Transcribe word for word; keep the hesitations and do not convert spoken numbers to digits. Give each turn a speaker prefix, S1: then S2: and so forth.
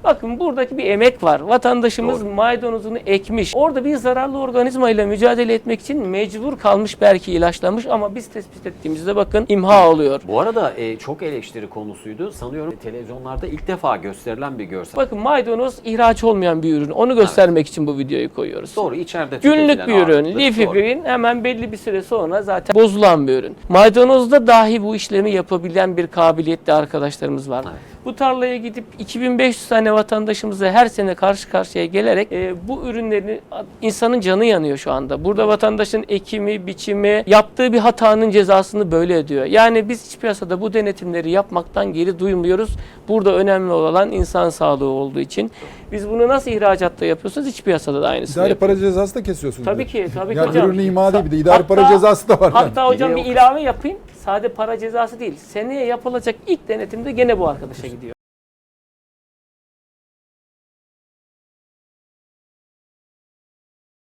S1: Bakın buradaki bir emek var. Vatandaşımız
S2: Doğru.
S1: maydanozunu ekmiş. Orada bir zararlı organizma ile mücadele etmek için mecbur kalmış, belki ilaçlamış, ama biz tespit ettiğimizde bakın imha oluyor.
S2: Bu arada e, çok eleştiri konusuydu. Sanıyorum televizyonlarda ilk defa gösterilen bir görsel.
S1: Bakın maydanoz ihraç olmayan bir ürün. Onu göstermek evet. için bu videoyu koyuyoruz.
S2: Doğru, içeride
S1: Günlük bir ürün. Leafy green, hemen belli bir süre sonra zaten bozulan bir ürün. Maydanozda dahi bu işlemi yapabilen bir kabiliyetli arkadaşlarımız var. Evet. Bu tarlaya gidip iki bin beş yüz tane vatandaşımıza her sene karşı karşıya gelerek e, bu ürünlerini, insanın canı yanıyor şu anda. Burada vatandaşın ekimi, biçimi, yaptığı bir hatanın cezasını böyle ödüyor. Yani biz iç piyasada bu denetimleri yapmaktan geri duymuyoruz. Burada önemli olan insan sağlığı olduğu için. Biz bunu nasıl ihracatta yapıyorsunuz? İç piyasada da aynısını
S3: İdari
S1: yapıyoruz.
S3: para cezası da kesiyorsunuz.
S1: Tabii ki, tabii ki
S3: yani
S1: hocam.
S3: ürünü ima değil, bir de idari
S1: Hatta,
S3: para cezası da var.
S1: Hatta
S3: yani.
S1: hocam bir ilave yapayım. Sade para cezası değil. Seneye yapılacak ilk denetimde gene bu arkadaşa gidiyor.